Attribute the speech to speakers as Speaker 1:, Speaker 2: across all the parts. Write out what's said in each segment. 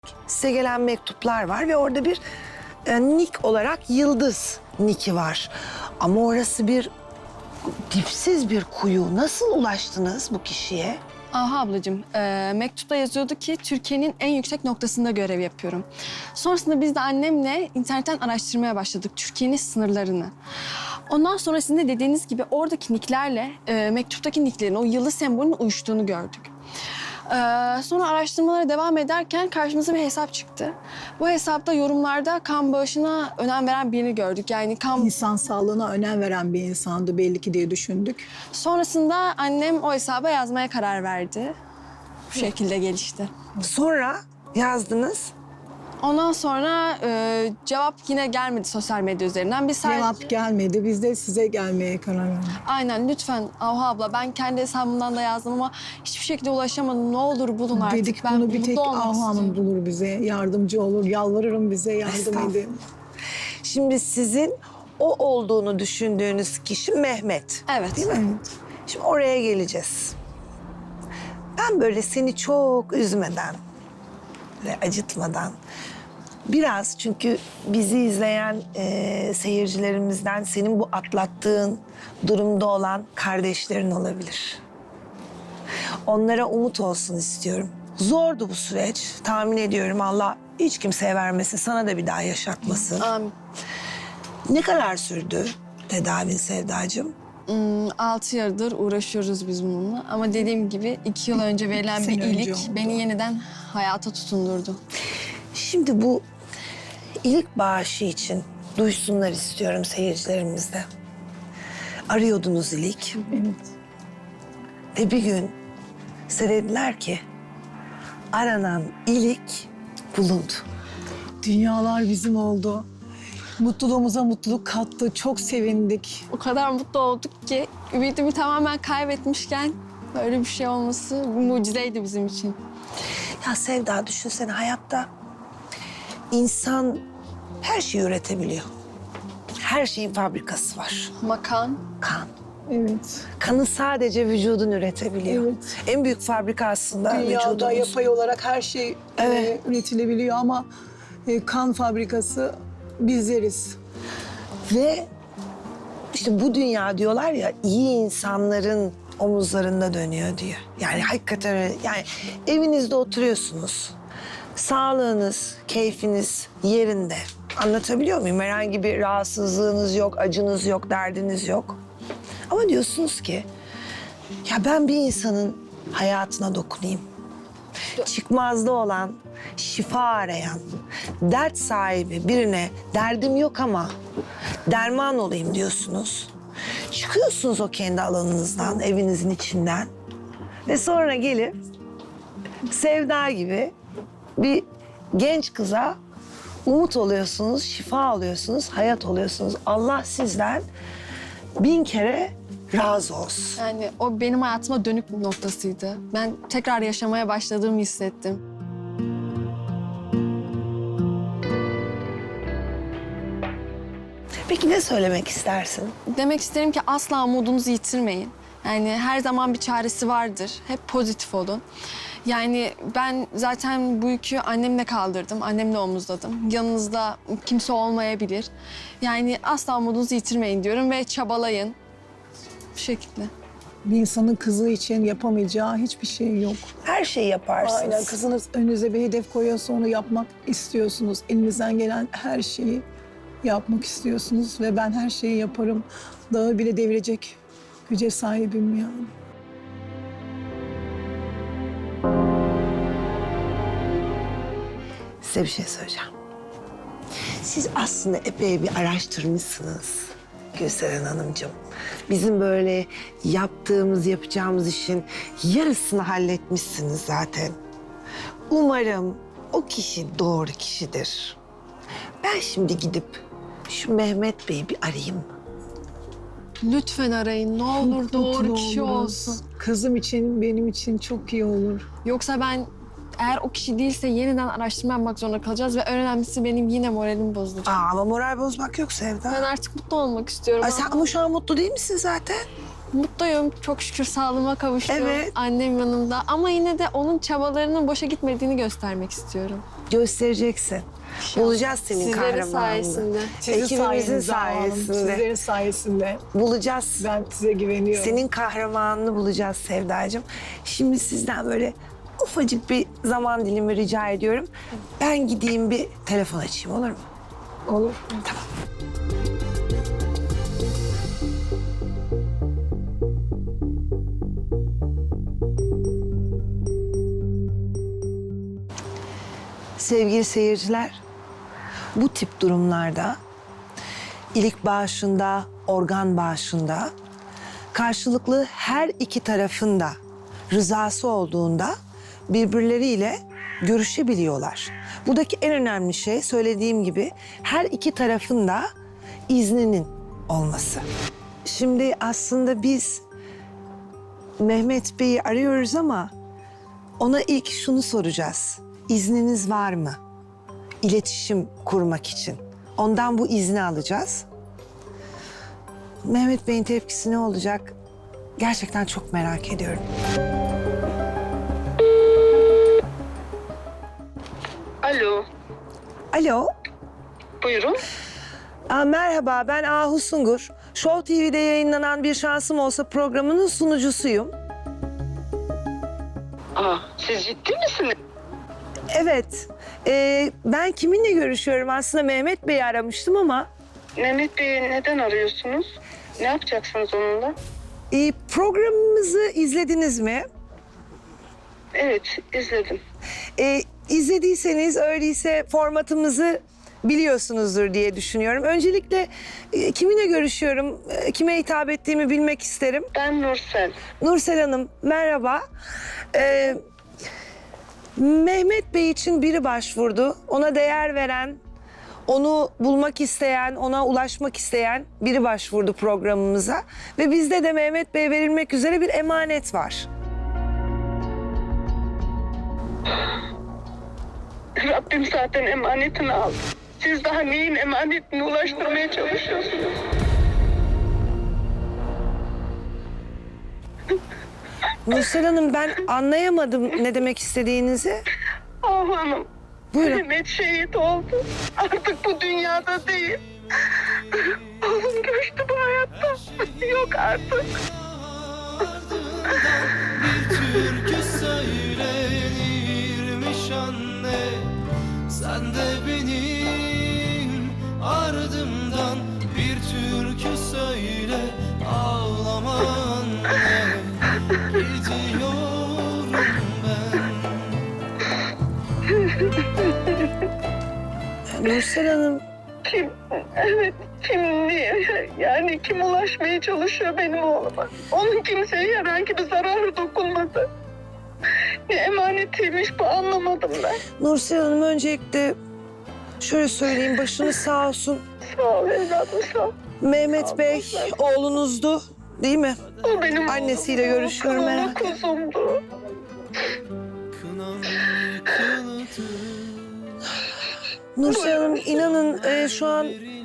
Speaker 1: Size gelen mektuplar var ve orada bir nick olarak Yıldız nicki var. Ama orası bir dipsiz bir kuyu. Nasıl ulaştınız bu kişiye?
Speaker 2: Aha ablacığım, mektupta yazıyordu ki Türkiye'nin en yüksek noktasında görev yapıyorum. Sonrasında biz de annemle internetten araştırmaya başladık Türkiye'nin sınırlarını. Ondan sonra sizin de dediğiniz gibi oradaki nicklerle mektuptaki nicklerin o yıldız sembolünün uyuştuğunu gördük. Sonra araştırmalara devam ederken karşımıza bir hesap çıktı. Bu hesapta yorumlarda kan bağışına önem veren birini gördük. Yani kan...
Speaker 3: İnsan sağlığına önem veren bir insandı belli ki diye düşündük.
Speaker 2: Sonrasında annem o hesaba yazmaya karar verdi. Bu şekilde gelişti.
Speaker 1: Sonra yazdınız.
Speaker 2: Ondan sonra cevap yine gelmedi sosyal medya üzerinden. Biz sadece...
Speaker 3: Cevap gelmedi. Biz de size gelmeye karar verdik.
Speaker 2: Aynen lütfen Ahu abla, ben kendi hesabımdan da yazdım ama hiçbir şekilde ulaşamadım. Ne olur bulun artık.
Speaker 3: Dedik
Speaker 2: Ben
Speaker 3: bunu bir tek
Speaker 2: mutlu olmak
Speaker 3: Ahu Hanım
Speaker 2: istiyorum.
Speaker 3: bulur bize. Yardımcı olur. Yalvarırım bize yardım
Speaker 1: Estağfurullah.
Speaker 3: edin.
Speaker 1: Şimdi sizin o olduğunu düşündüğünüz kişi Mehmet.
Speaker 2: Evet.
Speaker 1: Değil mi?
Speaker 3: Evet.
Speaker 1: Şimdi oraya geleceğiz. Ben böyle seni çok üzmeden ve acıtmadan biraz, çünkü bizi izleyen seyircilerimizden senin bu atlattığın durumda olan kardeşlerin olabilir. Onlara umut olsun istiyorum. Zordu bu süreç. Tahmin ediyorum Allah hiç kimseye vermesin. Sana da bir daha yaşatmasın.
Speaker 2: Amin.
Speaker 1: Ne kadar sürdü tedavin Sevdacığım?
Speaker 2: 6 yıldır uğraşıyoruz biz bununla. Ama dediğim gibi 2 yıl önce verilen bir
Speaker 3: sene önce
Speaker 2: iyilik
Speaker 3: oldu.
Speaker 2: beni yeniden hayata tutundurdu.
Speaker 1: Şimdi bu iyilik bağışı için duysunlar istiyorum seyircilerimiz de. Arıyordunuz iyilik
Speaker 3: Evet.
Speaker 1: ve bir gün size dediler ki aranan iyilik bulundu.
Speaker 3: Dünyalar bizim oldu. Mutluluğumuza mutluluk kattı. Çok sevindik.
Speaker 2: O kadar mutlu olduk ki ümidimi tamamen kaybetmişken böyle bir şey olması bir mucizeydi bizim için.
Speaker 1: Ya Sevda, düşünsene, hayatta insan her şeyi üretebiliyor. Her şeyin fabrikası var.
Speaker 2: Makan.
Speaker 1: Kan.
Speaker 3: Evet.
Speaker 1: Kanı sadece vücudun üretebiliyor.
Speaker 3: Evet.
Speaker 1: En büyük fabrika aslında
Speaker 3: Dünyada
Speaker 1: vücudumuz.
Speaker 3: yapay olarak her şey
Speaker 1: Evet.
Speaker 3: üretilebiliyor ama kan fabrikası bizleriz.
Speaker 1: Ve işte bu dünya diyorlar ya, iyi insanların omuzlarında dönüyor diyor. Yani hakikaten öyle. Yani evinizde oturuyorsunuz. Sağlığınız, keyfiniz yerinde. Anlatabiliyor muyum? Herhangi bir rahatsızlığınız yok, acınız yok, derdiniz yok. Ama diyorsunuz ki ya ben bir insanın hayatına dokunayım. Çıkmazda olan, şifa arayan, dert sahibi birine derdim yok ama derman olayım diyorsunuz. Çıkıyorsunuz o kendi alanınızdan, evinizin içinden ve sonra gelip Sevda gibi bir genç kıza umut oluyorsunuz, şifa alıyorsunuz, hayat oluyorsunuz. Allah sizden 1000 kere razı olsun.
Speaker 2: Yani o benim hayatıma dönük noktasıydı. Ben tekrar yaşamaya başladığımı hissettim.
Speaker 1: Peki ne söylemek istersin?
Speaker 2: Demek isterim ki asla umudunuzu yitirmeyin. Yani her zaman bir çaresi vardır. Hep pozitif olun. Yani ben zaten bu yükü annemle kaldırdım, annemle omuzladım. Yanınızda kimse olmayabilir. Yani asla umudunuzu yitirmeyin diyorum ve çabalayın. Bu şekilde.
Speaker 3: Bir insanın kızı için yapamayacağı hiçbir şey yok.
Speaker 1: Her şeyi yaparsınız.
Speaker 3: Aynen, kızınız önünüze bir hedef koyuyorsa onu yapmak istiyorsunuz. Elinizden gelen her şeyi yapmak istiyorsunuz ve ben her şeyi yaparım. Dağı bile devirecek güce sahibim yani.
Speaker 1: Size bir şey söyleyeceğim. Siz aslında epey bir araştırmışsınız Gülseren Hanımcığım. Bizim böyle yapacağımız işin yarısını halletmişsiniz zaten. Umarım o kişi doğru kişidir. Ben şimdi gidip şu Mehmet Bey'i bir arayayım mı?
Speaker 2: Lütfen arayın. Ne olur doğru
Speaker 3: Mutlu
Speaker 2: kişi
Speaker 3: oluruz.
Speaker 2: olsun.
Speaker 3: Kızım için, benim için çok iyi olur.
Speaker 2: Yoksa ben eğer o kişi değilse yeniden araştırma yapmak zorunda kalacağız ve en önemlisi benim yine moralim bozulacak.
Speaker 1: Ama moral bozmak yok Sevda.
Speaker 2: Ben artık mutlu olmak istiyorum.
Speaker 1: Ay sen ama şu an mutlu değil misin zaten?
Speaker 2: Mutluyum. Çok şükür sağlığıma kavuştum.
Speaker 1: Evet.
Speaker 2: Annem yanımda. Ama yine de onun çabalarının boşa gitmediğini göstermek istiyorum.
Speaker 1: Göstereceksin. Bulacağız senin
Speaker 2: Sizlerin
Speaker 1: kahramanını.
Speaker 2: sayesinde.
Speaker 3: Sizin
Speaker 1: Ekibimizin
Speaker 3: sayenizde Hanım,
Speaker 1: sayesinde.
Speaker 3: Sizlerin sayesinde.
Speaker 1: Bulacağız.
Speaker 3: Ben size güveniyorum.
Speaker 1: Senin kahramanını bulacağız Sevdacığım. Şimdi sizden böyle ufacık bir zaman dilimi rica ediyorum. Ben gideyim bir telefon açayım, olur mu?
Speaker 3: Olur.
Speaker 1: Sevgili seyirciler, bu tip durumlarda ilik bağışında, organ bağışında karşılıklı her iki tarafın da rızası olduğunda birbirleriyle görüşebiliyorlar. Buradaki en önemli şey söylediğim gibi her iki tarafın da izninin olması. Şimdi aslında biz Mehmet Bey'i arıyoruz ama ona ilk şunu soracağız. İzniniz var mı? İletişim kurmak için. Ondan bu izni alacağız. Mehmet Bey'in tepkisi ne olacak? Gerçekten çok merak ediyorum.
Speaker 4: Alo,
Speaker 1: Alo.
Speaker 4: buyurun.
Speaker 1: Merhaba, ben Ahu Sungur. Show TV'de yayınlanan Bir Şansım Olsa programının sunucusuyum.
Speaker 4: Siz ciddi misiniz?
Speaker 1: Evet, ben kiminle görüşüyorum? Aslında Mehmet Bey'i aramıştım ama...
Speaker 4: Mehmet Bey'i neden arıyorsunuz? Ne yapacaksınız onunla?
Speaker 1: Programımızı izlediniz mi?
Speaker 4: Evet, izledim.
Speaker 1: İzlediyseniz öyleyse formatımızı biliyorsunuzdur diye düşünüyorum. Öncelikle kiminle görüşüyorum, kime hitap ettiğimi bilmek isterim.
Speaker 4: Ben Nursel.
Speaker 1: Nursel Hanım, merhaba. Mehmet Bey için biri başvurdu. Ona değer veren, onu bulmak isteyen, ona ulaşmak isteyen biri başvurdu programımıza. Ve bizde de Mehmet Bey'e verilmek üzere bir emanet var.
Speaker 4: Rabbim zaten emanetini aldı. Siz daha neyin emanetini ulaştırmaya çalışıyorsunuz?
Speaker 1: Nursel Hanım, ben anlayamadım ne demek istediğinizi.
Speaker 4: Hanım,
Speaker 1: Buyurun.
Speaker 4: Mehmet şehit oldu. Artık bu dünyada değil. Oğlum göçtü bu hayatta. Yok artık.
Speaker 5: Bir türkü söylenirmiş anne. Sen de benim ardımdan bir türkü söyle, ağlama anne. Gidiyorum ben.
Speaker 1: Nursel Hanım,
Speaker 4: Kim? Evet, kim diye. Yani kim ulaşmaya çalışıyor benim oğluma? Onun kimseye herhangi bir zararı dokunmadı. Ne emanetiymiş bu, anlamadım ben.
Speaker 1: Nursel Hanım öncelikle şöyle söyleyeyim, başınız sağ olsun.
Speaker 4: Sağ ol evladım, sağ ol.
Speaker 1: Mehmet Bey oğlunuzdu, değil mi?
Speaker 4: O benim
Speaker 1: Annesiyle
Speaker 4: oğlum,
Speaker 1: görüşüyorum
Speaker 4: kızım,
Speaker 1: herhalde.
Speaker 4: kuzumdu.
Speaker 5: Kınam yıkıldı.
Speaker 1: Nursel Hanım, inanın şu an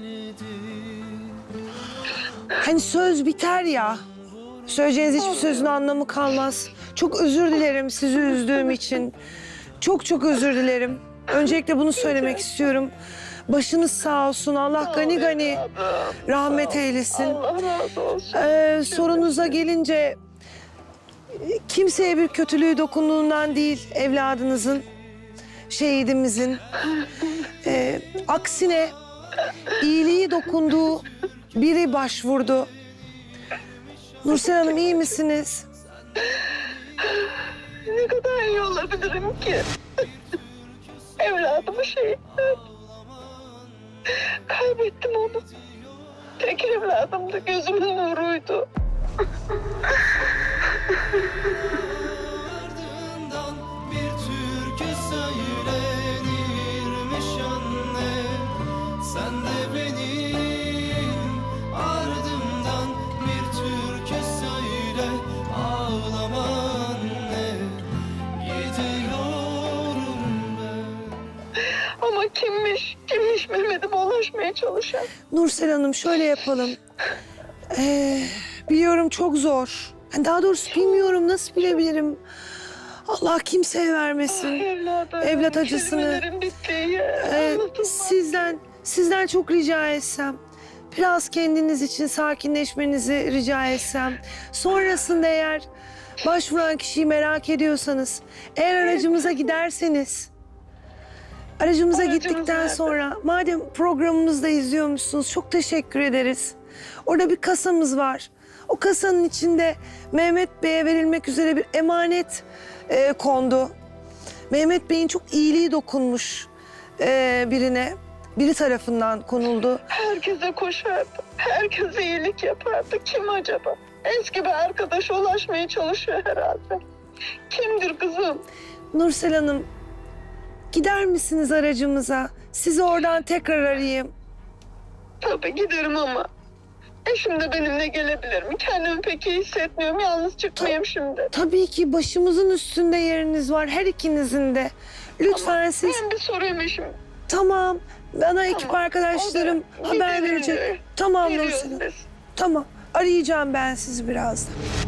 Speaker 1: hani söz biter ya. Söyleyeceğiniz hiçbir sözün anlamı kalmaz. Çok özür dilerim sizi üzdüğüm için. Çok özür dilerim. Öncelikle bunu söylemek istiyorum. Başınız sağ olsun. Allah gani gani rahmet eylesin.
Speaker 4: Allah razı olsun.
Speaker 1: Sorunuza gelince kimseye bir kötülüğü dokunduğundan değil evladınızın, şehidimizin. Aksine iyiliği dokunduğu biri başvurdu. Nursel Hanım, iyi misiniz?
Speaker 4: Ne kadar iyi olabilirim ki? Evladımı şehitler. Kaybettim onu. Tek evladımdı, gözümün nuruydu.
Speaker 5: Ardından bir türkü söylenirmiş anne. Sen de benim ardımdan bir türkü söyle, ağlama anne. Gidiyorum ben.
Speaker 4: Ama kimmiş Mehmet'ime ulaşmaya çalışan?
Speaker 1: Nursel Hanım, şöyle yapalım. Biliyorum çok zor. Daha doğrusu bilmiyorum, nasıl bilebilirim. Allah kimseye vermesin.
Speaker 4: Evladım.
Speaker 1: Evlat acısını.
Speaker 4: Kelimelerim bitti ya.
Speaker 1: Sizden çok rica etsem, biraz kendiniz için sakinleşmenizi rica etsem. Sonrasında eğer başvuran kişiyi merak ediyorsanız, eğer aracımıza giderseniz, aracımıza
Speaker 4: Aracımız
Speaker 1: gittikten
Speaker 4: nerede?
Speaker 1: sonra, madem programımızda izliyormuşsunuz, çok teşekkür ederiz. Orada bir kasamız var. O kasanın içinde Mehmet Bey'e verilmek üzere bir emanet kondu. Mehmet Bey'in çok iyiliği dokunmuş birine. Biri tarafından konuldu.
Speaker 4: Herkese koşardı. Herkese iyilik yapardı. Kim acaba? Eski bir arkadaş ulaşmaya çalışıyor herhalde. Kimdir kızım?
Speaker 1: Nursel Hanım, gider misiniz aracımıza? Sizi oradan tekrar arayayım.
Speaker 4: Tabii giderim ama eşim de benimle gelebilir mi? Kendimi pek iyi hissetmiyorum. Yalnız çıkmayayım şimdi.
Speaker 1: Tabii ki başımızın üstünde yeriniz var, her ikinizin de. Lütfen
Speaker 4: Ama
Speaker 1: siz...
Speaker 4: ben bir sorayım eşim.
Speaker 1: Tamam, bana ekip
Speaker 4: Tamam,
Speaker 1: arkadaşlarım
Speaker 4: o da
Speaker 1: haber
Speaker 4: gidelim
Speaker 1: verecek.
Speaker 4: diyor.
Speaker 1: Tamam
Speaker 4: Geliyoruz
Speaker 1: Nursel Hanım,
Speaker 4: biz.
Speaker 1: tamam. Arayacağım ben sizi birazdan.